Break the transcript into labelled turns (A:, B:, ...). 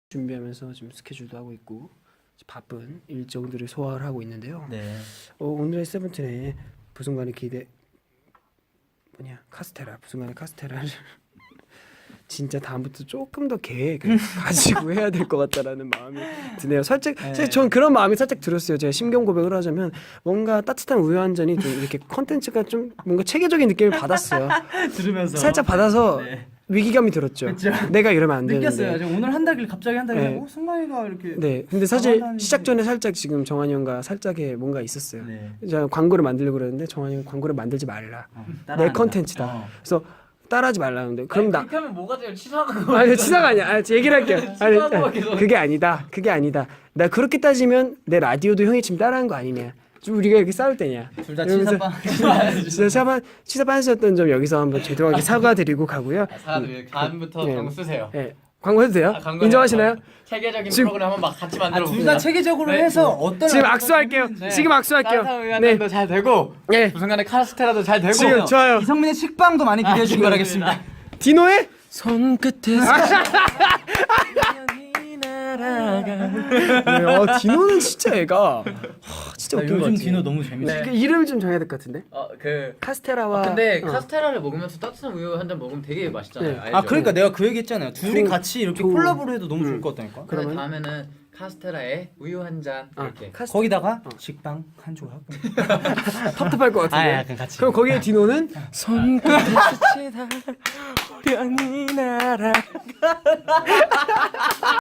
A: 준비하면서 지금 스케줄도 하고 있고 바쁜 일정들을 소화를 하고 있는데요.
B: 네.
A: 오늘의 세븐틴의 부순간의 기대 카스테라 부순간의 카스테라를 진짜 다음부터 조금 더 계획을 가지고 해야 될 것 같다라는 마음이 드네요. 사실 전 그런 마음이 살짝 들었어요. 제가 심경 고백을 하자면 뭔가 따뜻한 우유 한 잔이 좀 이렇게 컨텐츠가 좀 뭔가 체계적인 느낌을 받았어요.
B: 들으면서
A: 살짝 받아서
B: 네.
A: 위기감이 들었죠.
B: 그쵸?
A: 내가 이러면 안 되는데.
B: 느꼈어요. 지금 오늘 한다길 갑자기 한다길
A: 네.
B: 하고 승관이가 이렇게
A: 네, 근데 사실
B: 가만히
A: 시작 전에 살짝 지금 정한이 형과 살짝의 뭔가 있었어요.
B: 네.
A: 제가 광고를 만들려고 그랬는데 정한이 형 광고를 만들지 말라. 내
B: 따라한다.
A: 컨텐츠다. 그래서 따라하지 말라는데 그럼 나
C: 그렇게 하면 뭐가 돼요? 치사한 거.
A: 아니 치사가 아니야. 얘기를 할게요. 아니,
C: 치사한 거 같기도 하고.
A: 그게 아니다. 그게 아니다. 나 그렇게 따지면 내 라디오도 형이 지금 따라한 거 아니냐. 좀 우리가 이렇게 싸울 때냐.
B: 둘 다
A: 이러면서
B: 치사빵.
A: 치사 빠졌던 점 여기서 한번 죄송하게 사과드리고 가고요.
C: 사람들 다음부터
A: 네.
C: 광고 쓰세요.
A: 네. 광고 해도 돼요?
C: 광고
A: 인정하시나요?
C: 체계적인
A: 지금-
C: 프로그램 한번 막 같이 만들어
B: 둘 다 체계적으로
C: 네.
B: 해서 어떤
A: 지금 악수할게요.
C: 네.
A: 지금 악수할게요. 네.
C: 네. 잘 되고
A: 네.
C: 부순간에 카스테라도 잘 되고
A: 지금 좋아요.
B: 이성민의 식빵도 많이 기대해 주시기 바라겠습니다.
A: 디노의 손끝에서 디노는 진짜 애가 진짜
B: 나
A: 웃긴 것
B: 요즘
A: 같아.
B: 디노 너무 재밌어.
A: 그 이름 좀 정해야 될 것 같은데.
C: 그
A: 카스테라와
C: 근데
A: 어.
C: 카스테라를 먹으면서 따뜻한 우유 한 잔 먹으면 되게 맛있잖아요.
A: 네.
C: 알죠?
B: 아 그러니까 내가 그 얘기했잖아요. 둘이
A: 조-
B: 같이 이렇게
A: 조-
B: 콜라보를 해도 너무 좋을 것 같다니까.
C: 그러면
A: 그러면-
C: 다음에는 카스테라에 우유 한 잔 이렇게.
B: 거기다가 식빵 한 조각.
A: 텁텁할 것 같은데.
B: 아, 약간 같이.
A: 그럼 거기에 디노는 손끝에 스치다 우연히 날아